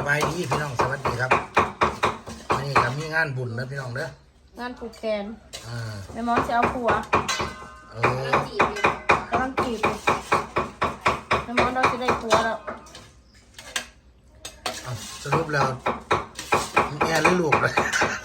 บายดีพี่น้องสวัสดีครับวันนี้ก็มีงานบุญนะพี่น้องเด้องานปลูกแกนแแม่มอสจะเอาผัวกำลังจีบแม่มอสเราจะได้ผัวแล้วสรุปแล้วแม่หรือลูกเลย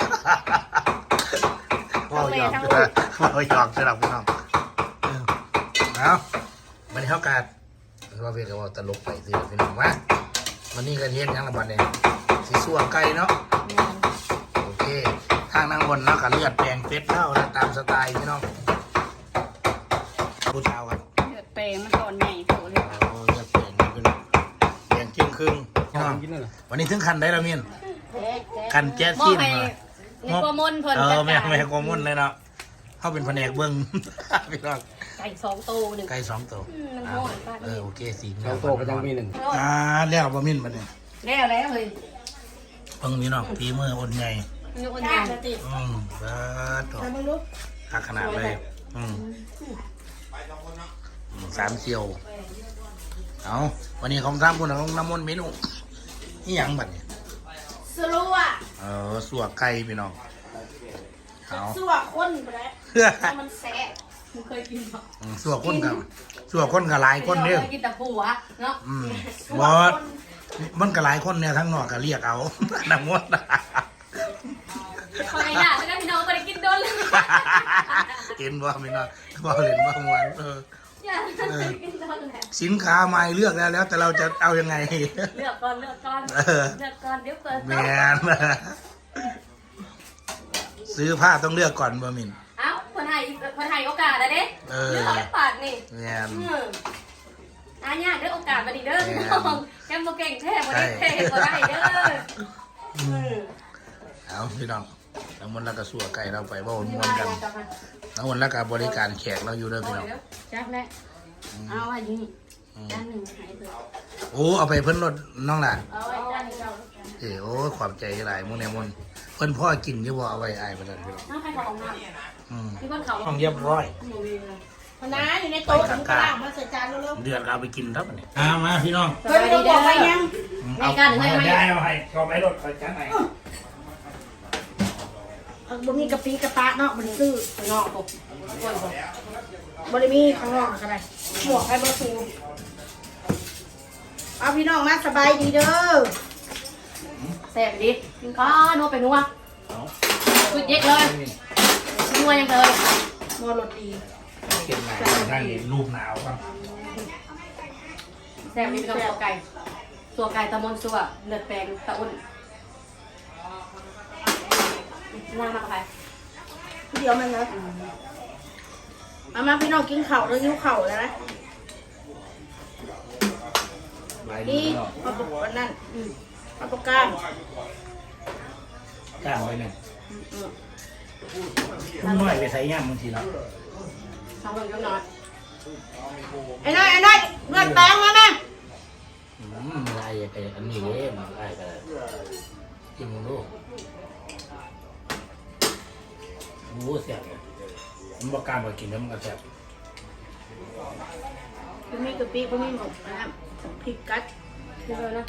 พ่อหยอกสำหรับพี่น้องเอาวันนี้เท่ากันว่าเพียงแต่ว่าตลกไปสิพี่น้องว่าวันนี้ก็เทียนยังละบัดเนี่ยสีสัวไก่เนาะโอเคทางนางบนเนาะกับเลือดแปลงเป็ดเท่าตามสไตล์พี่น้องผู้ชาวกันเลือดแปลงมันตอนใหญ่โตเลยเลือดแปลงเป็นแปลงเจียงครึ่งวันนี้ถึงคันได้ละมินคันแจ๊สซี่มามีกมลเพิ่นแม่กมลเลยเนาะเขาเป็นแผนกเบิ้งพี่น้องไก่2 ตัว1 ไก่2 ตัวโอเค 2 ตัวก็ยังมี1 แล้วบะมินมาเนี่ยแล้วเฮ้ยเพิ่งพี่น้องพีมืออ่อนใหญ่อ่อนใหญ่ตัวหักขนาดเลย3 เซียวเอาวันนี้ของ3 คนของน้ำมนต์เมนูนี่ยังบัดเนี่ยสัวไก่พี่น้องสัวข้นไปแล้วมันแซ่บมึงเคยกินหรอสัวข้นกับหลายคนเนี่ยกินแต่ผัวเนาะบอสมันกับหลายคนเนี่ยทั้งนอกก็เรียกเอาน้ำมดคอยอยากแล้วพี่น้องไปกินโดนเลยเห็นว่าไม่น่าว่าเห็นว่าวันสินค้าใหม่เลือกแล้วแต่เราจะเอายังไงเลือกก่อนเดี๋ยวเปิดแมนซื้อผ้าต้องเลือกก่อนบะมินเอ้าคนไทยโอกาสอะเด้เลือกให้ปาดนี่แมนยากได้โอกาสมาดีเด้อแกมโมเก่งแท้มาได้แท้ก็ได้เด้อเอาพี่น้องน้ำมันแล้วก็สัวไก่เราไปว่าม้วนกันน้ำมันแล้วก็บริการแขกเราอยู่เด้อพี่น้องจักแล้เอาไว้ยิงจานหนึ่งหายไปเอาไปเพิ่นรถน้องหล่ะเอาไว้จานนึงโอ้ความใจหลายมุ้งแนมุนเพิ่นพ่อกินที่ว่าเอาไว้อายไปเลยพี่น้องน้องใครของน้ำที่เพิ่นเขาห้องเรียบร้อยพน้าอยู่ในโต๊ะถึงกลางมาใส่จานเร็วๆเดือดเราไปกินครับเนี่ยมาพี่น้องเฮ้ยไม่ต้องบอกไปยังในการหรือไม่ได้เอาให้ก็ไปรถไปจานไหนบ่มีกะปิกะปะเนาะบ่ได้ซื้อข้างนอกบ่บ่ได้มีข้างนอกก็ได้หมวกให้บ่ซื้อเอาพี่น้องมาสบายดีเด้อแซ่บดิกินข้าวนัวไปนัวสุดเย็ดเลยนัวยังเลยนัวรสดีเก็บไหนได้รูปหนาวครับแซ่บนี่เป็นตัวไก่ตะมนสัวเลือดแปลงตะอุ่นน่ามากไปเดี๋ยวมันเลยมาพี่น้องกินเข่าแล้วยิ้วเข่าแล้วนะนี่มาปลุกวันนั้นมาปลุกก้างไว้เนี่ยมันน้อยไปใส่ย่างบางทีแล้วทำคนก็น้อยไอ้น้อยเลือดแปลงมาแม่อะไรอันนี้เลยมันอะไรกันกินมึงดูเสียบมันบอกการบอกกินแล้วมันก็เสียบพวกนี้กะปิพวกนี้หมกนะพริกกัดเยอะนะ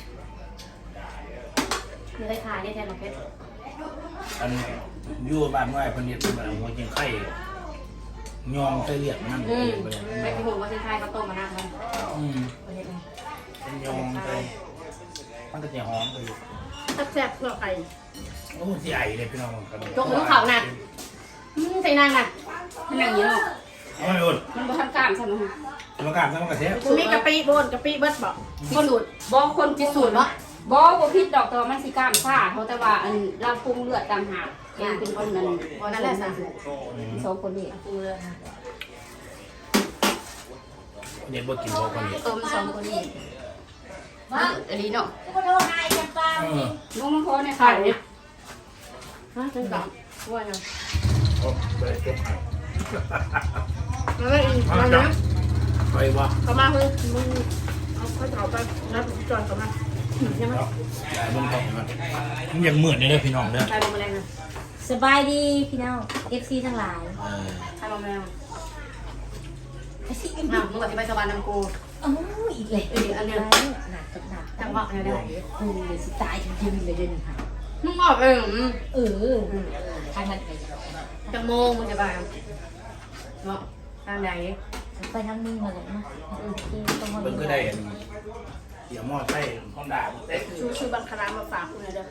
มีอะไรขายเนี่ยแทนหรอเพชรอันยู่บ้านว่าคนนี้เป็นแบบหัวจิงไข่ยองไส้เลียดนั่นไปกินหัวจิงไข่เขาต้มมาหน้ามันเป็นยองไส้มันก็จะหอมเลยแซ่บเปลือกไก่ใหญ่เลยพี่น้องจกมือเขาน่ะใส่นางน่ะมันอย่างนี้หรอมันบ่ทำการใช่ไหมทำการทำกระเทียมมีกะปิบนกะปิเบิดบอกพิสูจน์คนพิสูจน์เนาะบ่พิษดอกตัวมันสิกล้ามซ่าเขาแต่ว่าอันเราปรุงเลือดต่างหากยังเป็นคนนั้นนั่นแหละ2 คนนี่ปรุงเลือดเนี่ยบ่กินบ่คนนี้ต้ม2 คนนี่อันนี้เนาะลุงมันพอในไข่เนี่ยจังกับว่าไงเลยจบแล้วอีกอะไรนะไปวะเข้ามาคือมึงเอาข้าวเผาไปนับจอนเข้ามาใช่ไหมได้มึงเข้ามามึงยังเหมือนเลยพี่น้องเด้อใครลงมาแรงนะสบายดีพี่น้อง FC ทั้งหลายใครลงมาแรงมึงปฏิบัติชาวบ้านนำกูโอ้ยอีกเลยอันเนี้ยหนักกับหนักจังหวะเนี่ยได้โอ้ยสิตายจริงๆเลยเดี๋ยวนี้ค่ะมึงบอกเองทางนั้นไปจะโมงมึงจะไปเนาะทางไหนไปทางนี้มาเลยนะที่ตรงนั้นเบิ่งก็ได้เดี๋ยวหม้อไส้ห้องด่าเต้ชูบังคารามมาฝากคุณนะเด้อ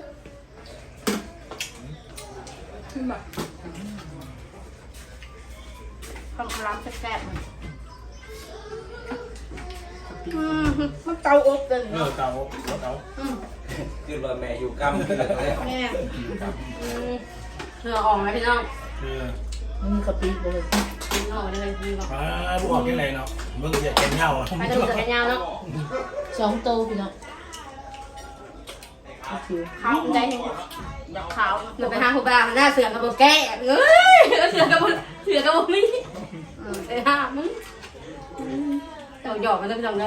แบบบังคารามแซ่บๆมันเตาอบเลยเตาคือว่าแม่อยู่กำคืออะไรแม่เหงื่อออกไหมพี่น้องคือมีกะปิเลยพี่น้องเลยพี่น้องบุกออกยังไงเนาะมึงจะแกงเงาไปจะเหลือแค่ยาวเนาะ 2 โตพี่น้องขาวใจเห็นขาวเหมือนไปหาผู้บ่าวหน้าเสือกับโบแก่เอ้ยเสือกับโบมี่ไอ้ห่ามึงเต่าหยอกมันต้องจำได้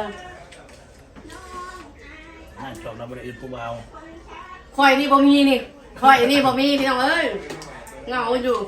จบแล้วบริษัทผู้บ่าวคอยนี่บ่มีนี่คอยนี่บ่มีพี่น้องเอ้ยเงาอยู่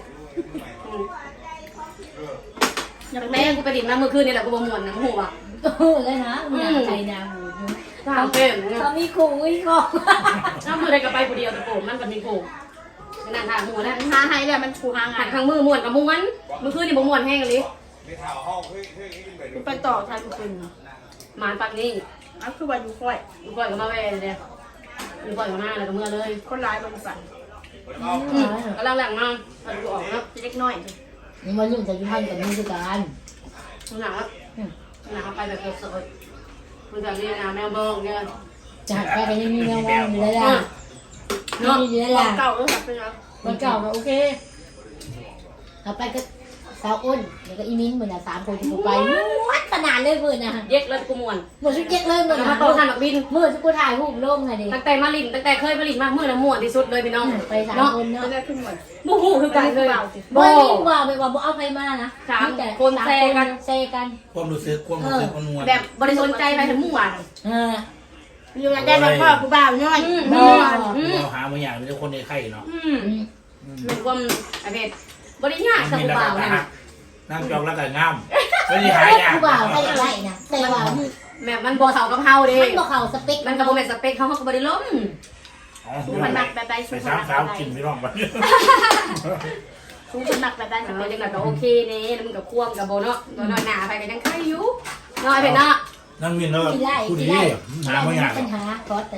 อย่างแม่กูไปดินมาเมื่อคืนนี่แหละกูบ่ม่วนนะหูอ่ะโอ้เลยนะหนาใจนาหูทางเป็นเขามีขู่อีกอ่ะน้ำมือได้กับไปผู้เดียวแต่โผล่มันก็มีโผล่นั่นทางหูนะหาให้แล้วมันถูกหางาหันนข้างมือม่วนกับมุ้งมันเมื่อคืนนี่บ่ม่วนแห้งเลยกูไปต่อทางกูเป็นหมานปักนี่อันคือว่าอยู่ค่อยอยู่ก่อยก็มาแว่เลยอยู่ก่อยก็มาแล้วก็เมื่อเลยคนร้ายบริษัทกำลังหลังมาพอดูออกแล้วเล็กน้อยนี่มันยุ่งจะยุ่งกับมือด้วยกันหนังแล้วหนังไปแบบสดๆมันแบบนี้นะแมวบองเนี่ยจากไปกันยังมีแมวมองอยู่เลยล่ะเนาะมีอยู่เลยล่ะเก่าแล้วแบบเป็นยังมันเก่าก็โอเคเอาไปก็สาวอ้นแล้วก็อีมิ้นเหมือนอ่ะ3 คนที่กูไปวัดขนาดเลยเหมือนอ่ะเย็กแล้วกูม่วนหมดชุดเย็กเลยเหมือนมาอ่ะต่อทางนักบินเมื่อที่กูถ่ายรูปลงไงดิตั้งแต่มาลินตั้งแต่เคยมาลินมาเมื่อน่ะม่วนที่สุดเลยพี่น้องไป3 คนเนาะจะได้ขึ้นหมดบูฮูคือกันเลยบ่มีว่าไปว่าบ่เอาใครมานะ 3 คนแซกันเซกันความรู้สึกความนวลแบบบริสุทธิ์ใจไปถึงม่วนอยู่ได้แบบพ่อกูบ่าวน้อยเราหาบางอย่างเป็นคนในไข่เนาะเป็นความอะไรบริญาสบู่บ่าวนะนั่งจองแล้วก็งามไม่ได้หายากผู้บ่าวใส่ไรนะแต่ว่าแบบมันบ่เท่ากับเฮาเด้มันบ่เข้าสเปคมันก็บ่แม่นสเปคเฮาก็บ่ได้ล้มมันหนักแบบใดไปสูงสาวกินไม่ร้องไปสูงเป็นหนักแบบใดแต่ว่าจังได๋ก็โอเคนี่แล้วมันก็ควมกับบ่เนาะบ่น้อยหน้าไปก็ยังไข่อยู่น้อยไปเนาะนั่งมินแล้วที่ไรผู้ดีที่ไรหาบางอย่างปัญหาขอแต่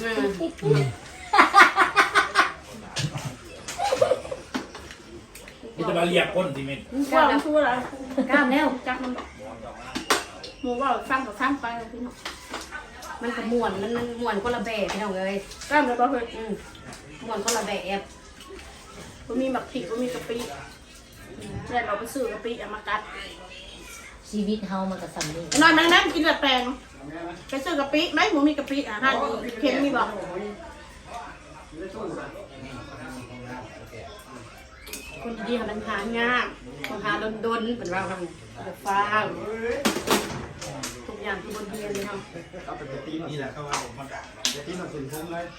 ที่จะมาเรียกคนที่มินว่ามันชั่วแล้วกล้ามแล้วจักมันหมูว่าฟังกับฟังไปพี่น้องมันก็ม่วนมันม่วนคนละแบบพี่น้องเอ้ยกล้ามเลยบ่เคยม่วนคนละแบบกูมีหมักผิดกูมีกะปิแล้วเราไปซื้อกะปิเอามากัดชีวิตเฮามันก็สั่นนี่นอนนั่งกินแบบแปลงไปซื้อกะปิไหมหมูมีกะปิอาหารเค็มมีบ่คนดีๆมันหางามคนหาดนๆเป็นว่าทำแบบฟ้าทุกอย่างที่บนเรียนเลยเนาะนี่แหละเขาว่ามันที่มันสื่อทุ่งเลย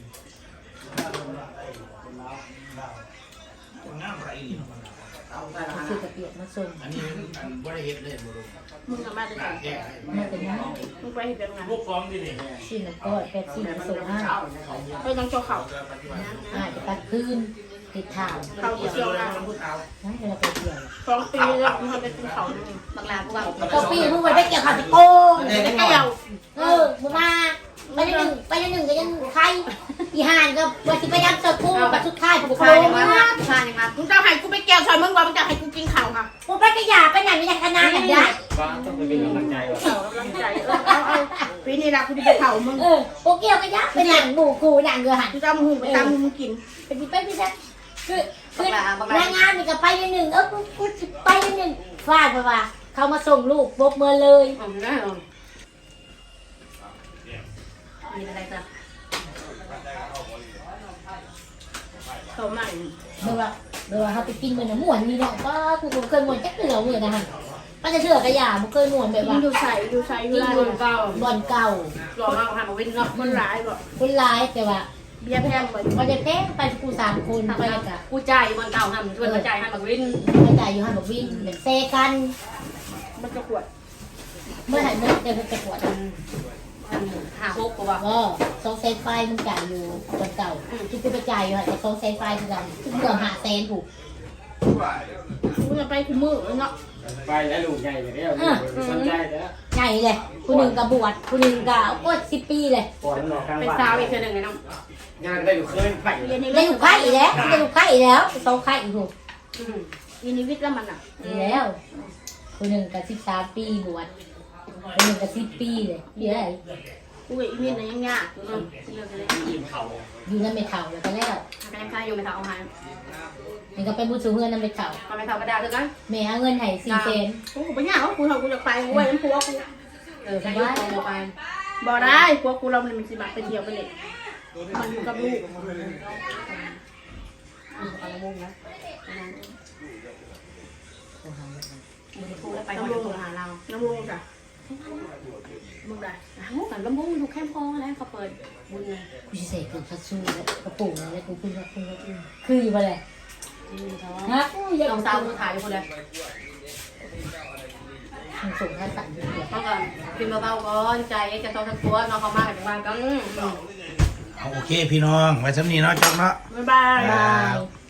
งามไรคือกระเปียกมาส่งอันนี้บริเฮ็ดเลยบุรุษมึงทำมาจะไหนแก่มาเป็นยังมึงไปเห็นเป็นไงพวกฟ้องที่นี่ชิ้นละก้อย8 ชิ้นส่งให้ไปต้องโจเขาอาจจะตัดพื้นติดทางเขาเกี่ยวกันนั่นเวลาไปเที่ยว 2 ปีแล้วมึงทำไปกินเขานี่บักลากูว่าก็ปีมึงไปเกี่ยวข้าวโกงไม่เกี่ยวมึงมาไปหนึ่งก็ยังใครอีห่านก็ว่าสิไปยับเจอกูกับสุดท้ายกูผู้โกชายงยังมามาผู้ชายยังมามึงจะให้กูไปเกี่ยวซอยมึงว่ามึงจะให้กูกินข้าวค่ะกูไปกระยาไปไหนไม่ได้ขนาดนั้นได้ฟ้าต้องไปเป็นกำลังใจว่ะกำลังใจเอาปีนี้ละกูจะไปเผามึงโอเกี่ยวกระยาไปหนังบูกูหนังเรือหันกูจะเอาหูไปตามมึงกินเป็นไปไม่ได้คือแรงงานนี่ก็ไปหนึ่งกูไปหนึ่งฟาดไปว่าเขามาส่งลูกบกเมื่อเลยได้หรอมีอะไรจ้ะเขาใหม่เมื่อว่าเขาไปกินเหมือนหมวนนี่เนาะก็กูเคยหมวนแค่เกลือเหมือนนะฮะมันจะเชื่อกระยาบุเคยหมวนแบบว่าดูใส่อยู่นี่ไรคนเก่าบ่อนเก่าหล่อมากทำมาวินเนาะมันร้ายบ่คนร้ายแต่ว่าเบี้ยแพงบ่มันจะแพ้ไปกู3 คนไปกะกูจ่ายบนเก่าทำชวนมาจ่ายให้มาวินกระจายอยู่หันบอกวิ่งเหมือนเซกันมันจะขวดเมื่อไหร่เมื่อเดี๋ยวไปกวดหาพกกูว่าโซเซนไฟมันจ่ายอยู่คนเก่าที่กูไปจ่ายอยู่แต่โซเซนไฟคือกันเกือบ500,000ถูกมึงจะไปคุมือเนาะไปแล้วลูกใหญ่ไปแล้วสนใจแล้วใหญ่เลยผู้หนึ่งกับบวชผู้หนึ่งกับโอ้10 ปีเลยปล่อยมันออกกลางเป็นบ้านสาวอีกเทื่อนึงไงน้องงานได้อยู่เคยไปเรียนในได้ลูกไข่อีกแล้วได้ลูกไข่อีกแล้วโซไข่อีกถูกเรียนในวิทย์แล้วมันอ่ะอีกแล้วผู้หนึ่งกับ13 ปีบวชผู้หนึ่งกับ10 ปีเลยเดี๋ยวอะไรกูอีวิทย์น่ะยังยากอยู่เนาะเรื่องอะไรยิ้มเขาอยู่นั่นไม่เท่าแล้วก็แล้วก็ยังคายอยู่ไม่เท่าเอาหายมันก็เป็นผู้สูงเงินนั่นไม่เท่าก็ไม่เท่ากระดาษเลยกันแม่เอาเงินให้400,000 กูก็ไม่ยากว่ากูทำกูจะไปกูไว้น้ำพัวกูไปยุ่งโมไปบ่ได้พัวกูเรามันสิบักไปเที่ยวไปเล่นมันอยู่กับลูกเอาละมุงนะมึงพูดแล้วไปหอยโทรหาเราน้ำลูกจ้ะมึงได้มุกกับลำบุ้งดูแคมป์พอแล้วเขาเปิดบุญเลยกูจะใส่เกลือคัตซูแล้วกระปุกแล้วกูคืออยู่บ่เลย ฮะลองสาวมือถ่ายคนเลยมันส่งท่าสั่นอยู่เดียวเขาก็พิมพ์เบาๆก่อนใจจะโตทั้งตัวน้องเขามากันบ้านกันเอาโอเคพี่น้องไว้สำนีเนาะจบเนาะบ๊ายบายบาย